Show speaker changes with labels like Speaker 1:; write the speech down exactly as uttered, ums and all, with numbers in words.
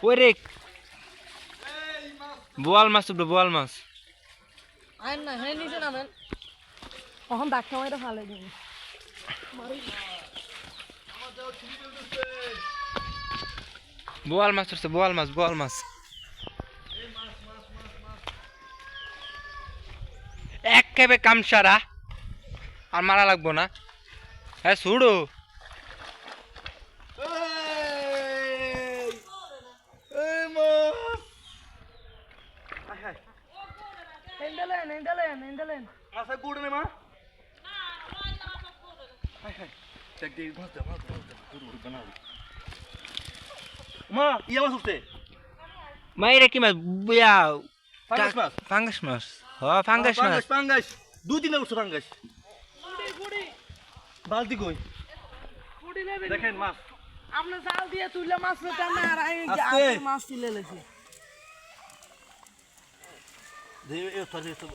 Speaker 1: ওরে বোয়াল মাছ উঠবে বোয়াল মাছ
Speaker 2: আইন না হ্যাঁ নিচে নামেন কখন ডাক্তার মাইটা ফালাই দেবো
Speaker 1: বোয়াল মাছ উঠছে বোয়াল মাছ বোয়াল মাছ এক খেবে কামসারা আর মারা লাগবো না হ্যাঁ ছুড়ো
Speaker 2: হেন্ডেলেন হেন্ডেলেন হেন্ডেলেন
Speaker 3: মাছা গুড় নে মা হাই হাই দেখ দেখ মাছ দে মাছ দে গুড় গুড় বানাও মা ইয়া মাছ উঠছে
Speaker 1: মাইরে কি মাছ বুয়া
Speaker 3: ফাঙ্গাস মাছ
Speaker 1: ফাঙ্গাস মাছ হ ফাঙ্গাস মাছ
Speaker 3: ফাঙ্গাস ফাঙ্গাস দুই দিনে উঠছে ফাঙ্গাস
Speaker 2: ফুড়ি ফুড়ি
Speaker 3: বালতি কই
Speaker 2: ফুড়ি নেবেন
Speaker 3: দেখেন মাছ
Speaker 2: আপনি জাল দিয়ে তুললে মাছ পেতাম না আর আমি
Speaker 3: আস্তে।
Speaker 2: মাছ তুলে লেছি
Speaker 3: দে এ তো